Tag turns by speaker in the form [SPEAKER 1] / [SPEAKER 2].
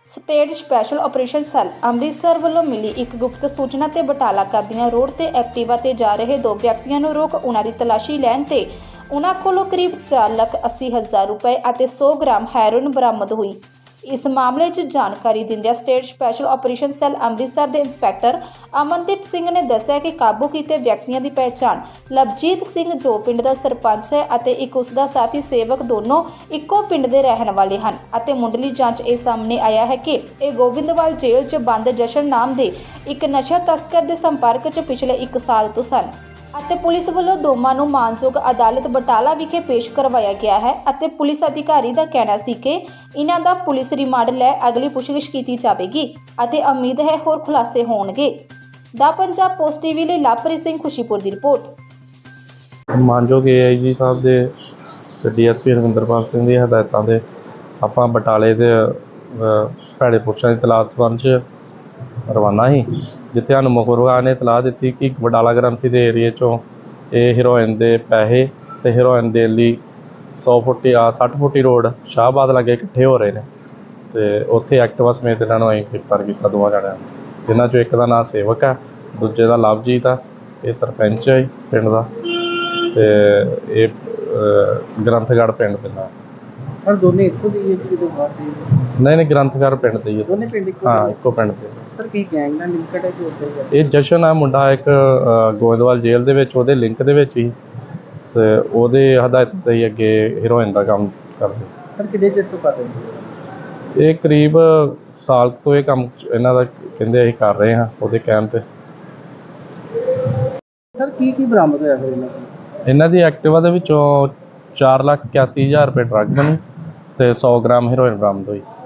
[SPEAKER 1] State special operation cell Amritsar ਵੱਲੋਂ ਮਿਲੀ ਇੱਕ ਗੁਪਤ ਸੂਚਨਾ ਤੇ ਬਟਾਲਾ ਕਾਦੀਆਂ ਰੋਡ ਤੇ ਐਕਟਿਵਾ ਤੇ ਜਾ ਰਹੇ ਦੋ ਵਿਅਕਤੀਆਂ ਨੂੰ ਰੋਕ ਉਹਨਾਂ ਦੀ ਤਲਾਸ਼ੀ ਲੈਣ ਤੇ ਉਹਨਾਂ ਕੋਲੋਂ ਕਰੀਬ 4,80,000 ਰੁਪਏ ਅਤੇ 100 ਗ੍ਰਾਮ ਹੈਰੋਇਨ ਬਰਾਮਦ ਹੋਈ। ਇਸ ਮਾਮਲੇ 'ਚ ਜਾਣਕਾਰੀ ਦਿੰਦਿਆਂ state special operation cell Amritsar ਦੇ ਇੰਸਪੈਕਟਰ ਅਮਨਦੀਪ ਸਿੰਘ ਨੇ ਦੱਸਿਆ ਕਿ ਕਾਬੂ ਕੀਤੇ ਵਿਅਕਤੀਆਂ ਦੀ ਪਹਿਚਾਣ ਲਵਜੀਤ ਸਿੰਘ ਜੋ ਪਿੰਡ ਦਾ ਸਰਪੰਚ ਹੈ ਅਤੇ ਇੱਕ ਉਸ ਦਾ ਸਾਥੀ ਸੇਵਕ ਦੋਨੋਂ ਇੱਕੋ ਪਿੰਡ ਦੇ ਰਹਿਣ ਵਾਲੇ ਹਨ ਅਤੇ ਮੁੱਢਲੀ ਜਾਂਚ ਇਹ ਸਾਹਮਣੇ ਆਇਆ ਹੈ ਕਿ ਇਹ ਗੋਬਿੰਦਵਾਲ ਜੇਲ੍ਹ 'ਚ ਬੰਦ ਜਸ਼ਨ ਨਾਮ ਦੇ ਇੱਕ ਨਸ਼ਾ ਤਸਕਰ ਦੇ ਸੰਪਰਕ 'ਚ ਪਿਛਲੇ 1 ਸਾਲ ਤੋਂ ਸਨ ਅਤੇ ਪੁਲਿਸ ਵੱਲੋਂ ਦੋਵਾਂ ਨੂੰ ਮਾਨਯੋਗ ਅਦਾਲਤ ਬਟਾਲਾ ਵਿਖੇ ਪੇਸ਼ ਕਰਵਾਇਆ ਗਿਆ ਹੈ ਅਤੇ ਪੁਲਿਸ ਅਧਿਕਾਰੀ ਦਾ ਕਹਿਣਾ ਸੀ ਕਿ ਇਹਨਾਂ ਦਾ ਪੁਲਿਸ ਰਿਮਾਂਡ ਲੈ ਅਗਲੀ ਪੁੱਛਗਿੱਛ ਕੀਤੀ ਜਾਵੇਗੀ ਅਤੇ ਉਮੀਦ ਹੈ ਹੋਰ ਖੁਲਾਸੇ ਹੋਣਗੇ। ਦਾ ਪੰਜਾਬ ਪੋਸਟ ਟੀਵੀ ਲਈ ਲਵਪ੍ਰੀਤ ਸਿੰਘ ਖੁਸ਼ੀਪੁਰ ਦੀ ਰਿਪੋਰਟ।
[SPEAKER 2] ਮਾਨਯੋਗ AIG ਸਾਹਿਬ ਦੇ ਤੇ DSP ਰਵਿੰਦਰਪਾਲ ਸਿੰਘ ਦੀ ਹਦਾਇਤਾਂ ਦੇ ਆਪਾਂ ਬਟਾਲੇ ਦੇ ਭੈੜੇ ਪੁਰਸ਼ਾਂ ਦੀ ਤਲਾਸ਼ ਸੰਬੰਧ 'ਚ ਰਵਾਨਾ ਸੀ, ਜਿੱਥੇ ਸਾਨੂੰ ਮੁਖਬਰ ਨੇ ਇਤਲਾਹ ਦਿੱਤੀ ਕਿ ਬਟਾਲਾ ਗ੍ਰੰਥੀ ਦੇ ਏਰੀਏ 'ਚੋਂ ਇਹ ਹੀਰੋਇਨ ਦੇ ਪੈਸੇ ਤੇ ਹੀਰੋਇਨ ਦੇਣ ਲਈ 60 ਫੁੱਟੀ ਰੋਡ ਸ਼ਾਹਬਾਦ ਲਾਗੇ ਇਕੱਠੇ ਹੋ ਰਹੇ ਨੇ ਤੇ ਉੱਥੇ ਐਕਟਿਵਾ ਸਮੇਤ ਇਹਨਾਂ ਨੂੰ ਅਸੀਂ ਗ੍ਰਿਫਤਾਰ ਕੀਤਾ ਦੋਵਾਂ ਜਣਿਆਂ ਨੂੰ, ਜਿਨ੍ਹਾਂ 'ਚੋਂ ਇੱਕ ਦਾ ਨਾਂ ਸੇਵਕ ਹੈ, ਦੂਜੇ ਦਾ ਲਵਜੀਤ ਆ, ਇਹ ਸਰਪੰਚ ਹੈ ਪਿੰਡ ਦਾ ਤੇ ਇਹ ਗ੍ਰੰਥਗੜ੍ਹ ਪਿੰਡ ਪੈਂਦਾ।
[SPEAKER 3] ਪਰ ਦੋਨੇ ਇੱਕੋ ਦੀ ਜਦੋਂ ਬਾਹਰ ਦੇ
[SPEAKER 2] ਨਹੀਂ ਗ੍ਰੰਥਗੜ੍ਹ ਪਿੰਡ ਤੇ ਹੀ
[SPEAKER 3] ਦੋਨੇ ਪਿੰਡ ਇੱਕੋ
[SPEAKER 2] ਹਾਂ ਇੱਕੋ ਪਿੰਡ ਤੇ।
[SPEAKER 3] ਸਰ ਕੀ ਗੈਂਗ ਨਾਲ ਲਿੰਕਡ ਹੈ ਕਿ ਉੱਧਰ
[SPEAKER 2] ਇਹ ਜਸ਼ਨ ਆ ਮੁੰਡਾ ਇੱਕ ਗੋਇੰਦਵਾਲ ਜੇਲ੍ਹ ਦੇ ਵਿੱਚ ਉਹਦੇ ਲਿੰਕ ਦੇ ਵਿੱਚ ਹੀ ਤੇ ਉਹਦੇ ਹਦਾਇਤ ਤੇ ਹੀ ਅੱਗੇ ਹੀਰੋਇਨ ਦਾ ਕੰਮ ਕਰਦੇ।
[SPEAKER 3] ਸਰ ਕਿੰਨੇ ਚਿਰ ਤੋਂ ਕਰ ਰਹੇ
[SPEAKER 2] ਇਹ ਕਰੀਬ ਸਾਲ ਤੋਂ ਇਹ ਕੰਮ ਇਹਨਾਂ ਦਾ ਕਹਿੰਦੇ ਅਸੀਂ ਕਰ ਰਹੇ ਹਾਂ ਉਹਦੇ ਕਹਿਣ ਤੇ।
[SPEAKER 3] ਸਰ ਕੀ ਬਰਾਮਦ ਹੋਇਆ ਫਿਰ ਇਹਨਾਂ ਕੋਲ?
[SPEAKER 2] ਇਹਨਾਂ ਦੀ ਐਕਟਿਵਾ ਦੇ ਵਿੱਚੋਂ 4,81,000 ਰੁਪਏ ਡਰੱਗ ਬਣੀ ਤੇ 100 ਗ੍ਰਾਮ ਹੀਰੋਇਨ ਬਰਾਮਦ ਹੋਈ।